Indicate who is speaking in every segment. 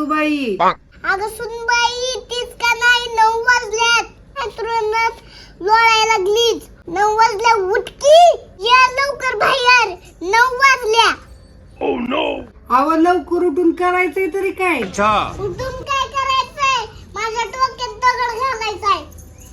Speaker 1: सासूबाई.
Speaker 2: अगं सुनबाई तीच का नाही 9 वाजल्यात. अंथरुणात लोळायला लागलीच. 9 वाजल्या उठकी या लवकर बाहेर 9 वाजल्या.
Speaker 1: अहो लवकर उठून करायचंय तरी काय.
Speaker 2: उठून काय करायचंय माझ्या डोक्यात दगड घालायचाय.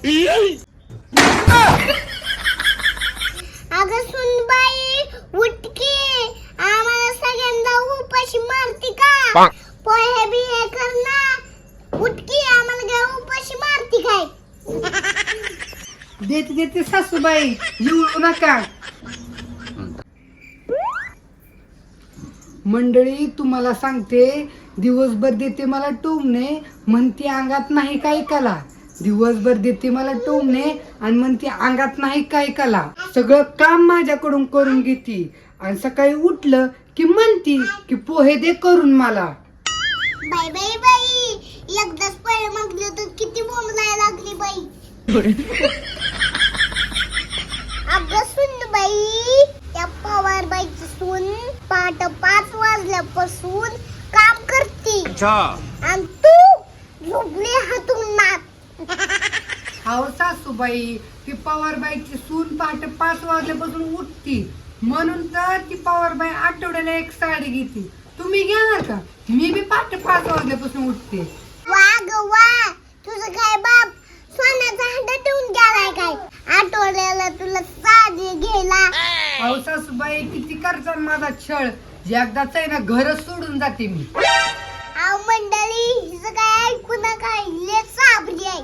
Speaker 2: अगं सुनबाई उठकी आम्हाला सगळ्यांना उपाशी मारती का. पोहे बिहे कर ना उठकी आम्हाला काय उपाशी मारती काय.
Speaker 1: देते देते सासूबाई येऊ नका. मंडळी तुम्हाला सांगते दिवसभर देते मला टोमणे म्हणते अंगात नाही काही कला. दिवसभर देते मला टोमणे आणि म्हणते अंगात नाही काही कला. सगळं काम माझ्याकडून करून घेते आणि सकाळी उठलं की म्हणती की पोहे दे करून मला.
Speaker 2: बाई बाई बाई एकदाच पोहे मागले तर किती बोंबलाय लागली बाई. अगं सुनबाई त्या पवार बाईची सून पहाटे 5 वाजल्यापासून काम करते आणि तू झोपली हातून नात.
Speaker 1: अहो सासूबाई ती पवारबाईची सून पहाटे 5 वाजल्यापासून उठती म्हणून तर ती पवारबाई आठवड्याला एक साडी घेते. तुम्ही घेणार का. मी बी पहाटे 5 वाजल्यापासून उठते.
Speaker 2: वा ग वा तुझं काय बाप सोन्याचा हंडा ठेवून गेलाय काय आठवड्याला तुला साडी घ्यायला.
Speaker 1: अहो सासूबाई किती करतात माझा छळ. एकदाच आहे ना घरच सोडून जाते मी.
Speaker 2: अहो मंडळी हिचं काय ऐकू नका लय साबरी आहे.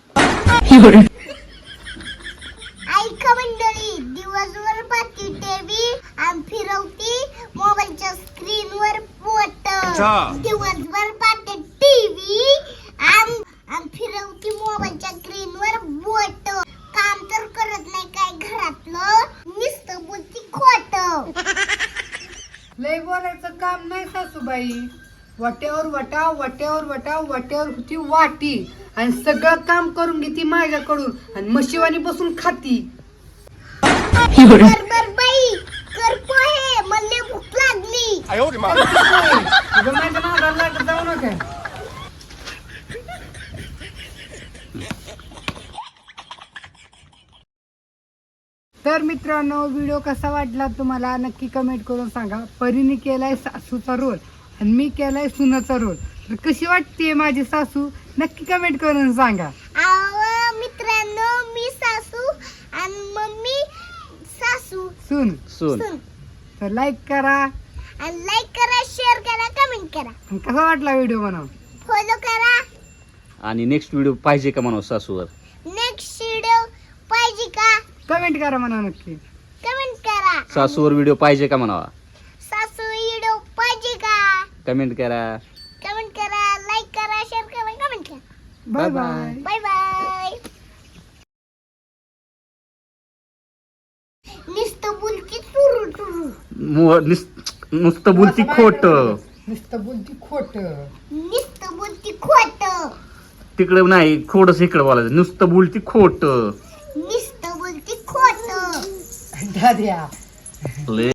Speaker 2: ऐका मंडळी दिवसभर पाहती टीव्ही आणि फिरवती मोबाईलच्या स्क्रीनवर बोट. दिवसभर पाहते टीव्ही आणि फिरवती मोबाईलच्या स्क्रीनवर बोट. काम तर करत नाही काय घरातलं नुसतं बोलती खोट.
Speaker 1: लय बोलायचं काम नाही सासूबाई. वाट्यावर वटाव वाट्यावर वटाव वाट्यावर होती वाटी आणि सगळं काम करून घेते माझ्याकडून आणि मशिवानी बसून खाती.
Speaker 2: बर बर बाई कर पोहे मला भूक लागली.
Speaker 1: तुझं माझ्या नादाला लागत जाऊ नका. तर मित्रांनो व्हिडिओ कसा वाटला तुम्हाला नक्की कमेंट करून सांगा. परीने केलाय सासूचा रोल आणि मी केलाय सुनाचा रोल. तर कशी वाटते माझी सासू नक्की कमेंट करून सांगा.
Speaker 2: अहो मित्रांनो मी सासू आणि मम्मी सासू
Speaker 1: सुन
Speaker 3: सून
Speaker 1: तर लाईक करा
Speaker 2: आणि लाईक करा शेअर करा कमेंट करा
Speaker 1: आणि कसा वाटला व्हिडिओ बनव.
Speaker 2: फॉलो करा.
Speaker 3: आणि नेक्स्ट व्हिडिओ पाहिजे का म्हणा सासूवर.
Speaker 2: नेक्स्ट व्हिडिओ पाहिजे का
Speaker 1: कमेंट करा म्हणा नक्की.
Speaker 2: कमेंट करा.
Speaker 3: सासूवर व्हिडिओ पाहिजे का म्हणावा.
Speaker 2: सासू व्हिडिओ पाहिजे का
Speaker 3: कमेंट करा.
Speaker 2: कमेंट करा लाईक करा शेअर करा कमेंट करा.
Speaker 1: Bye bye.
Speaker 2: Bye bye. नुसतं बोलती चुरू चुरू
Speaker 3: नुसतं बोलती खोट.
Speaker 1: नुसतं बोलती खोट.
Speaker 2: नुसतं बोलती खोट.
Speaker 3: तिकडं नाही खोडच इकडं बोलायचं. नुसतं बोलती खोट.
Speaker 2: नुसतं बोलती खोट.
Speaker 1: दाद्या
Speaker 3: लय